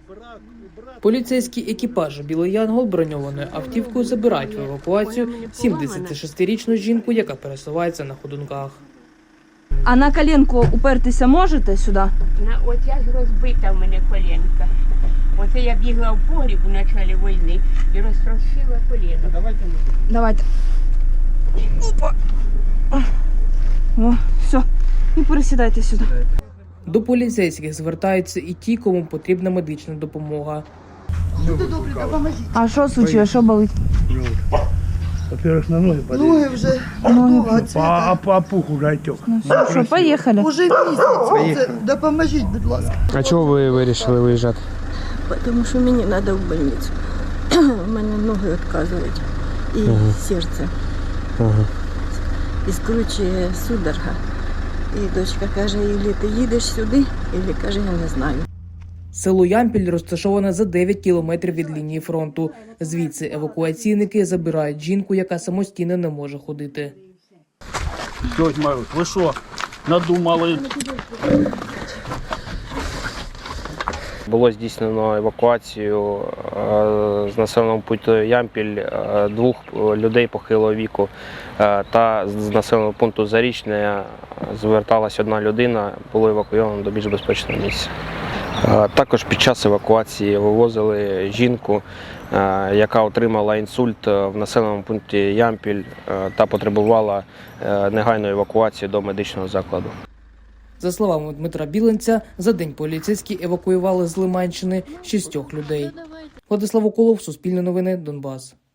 Поліцейський екіпаж «Білий Янгол» броньованою автівкою забирають в евакуацію 76-річну жінку, яка пересувається на ходунках. А на коленку упертися можете сюди? От я ж розбита в мене коленка. Оце я бігла в погріб у началі війни і розтрощила коліно. Давайте. Опа. О, все. І пересідайте сюди. До поліцейських звертаються і ті, кому потрібна медична допомога. А що случилось? Що болить? Во-первых, на ноги подойти. Ноги вже А пух уже отек. Ну, що, поїхали. уже місяць. Це допоможіть, будь ласка. А чого ви вирішили виїжджати? Тому що мені треба в больницю. У мене ноги відказують і серце. І скручує судорога. І дочка каже, Іллі, ти їдеш сюди? Іллі каже, я не знаю. Село Ямпіль розташоване за 9 кілометрів від лінії фронту. Звідси евакуаційники забирають жінку, яка самостійно не може ходити. Тетя Марусь, ви що, надумали? Було здійснено евакуацію з населеного пункту Ямпіль 2 людей похилого віку та з населеного пункту Зарічне зверталась одна людина, було евакуйовано до більш безпечного місця. Також під час евакуації вивозили жінку, яка отримала інсульт в населеному пункті Ямпіль та потребувала негайної евакуації до медичного закладу. За словами Дмитра Біленця, за день поліцейські евакуювали з Лиманщини 6 людей. Владислав Околов, Суспільне новини, Донбас.